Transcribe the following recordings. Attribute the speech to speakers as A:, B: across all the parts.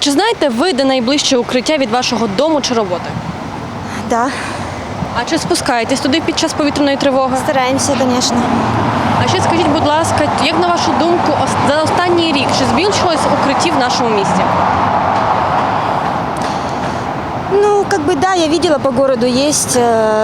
A: Чи знаєте ви, де найближче укриття від вашого дому чи роботи?
B: Да,
A: А чи спускаєтесь туди під час повітряної тривоги?
B: стараемся, конечно.
A: А ще скажіть, будь ласка, як на вашу думку, за останній рік чи збільшилось укриттів в нашому місті?
B: Ну, как бы да, я видела по городу есть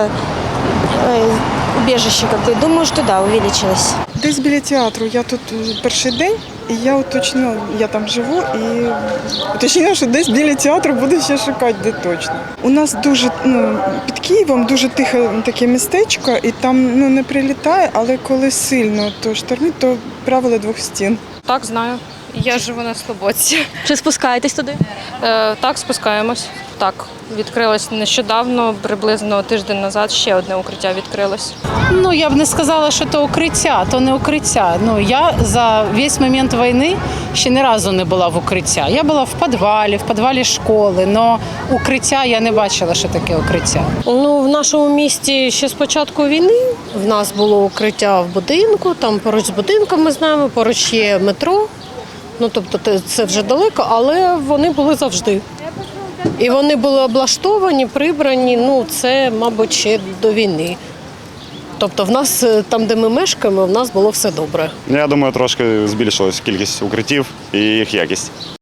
B: убежище, как бы. Думаю, что да, увеличилось.
C: Десь біля театру. Я тут перший день, і я уточнила, я там живу, і уточнила, що десь біля театру буду ще шукати, де точно. У нас дуже, під Києвом дуже тихе таке містечко, і там не прилітає, але коли сильно то штормить, то правило двох стін.
D: Так, знаю. Я живу на Слободці.
A: Чи спускаєтесь туди?
D: Так, спускаємось. Так, відкрилось нещодавно, приблизно тиждень назад ще одне укриття відкрилось.
E: Ну, я б не сказала, що то укриття, то не укриття. Ну, я за весь момент війни ще ні разу не була в укриття. Я була в підвалі школи, але укриття я не бачила, що таке укриття.
F: Ну, в нашому місті ще з початку війни в нас було укриття в будинку, там поруч з будинком ми знаємо, поруч є метро. Ну, тобто це вже далеко, але вони були завжди. І вони були облаштовані, прибрані, ну, це, мабуть, ще до війни. Тобто в нас, там, де ми мешкаємо, в нас було все добре.
G: Я думаю, трошки збільшилась кількість укриттів і їх якість.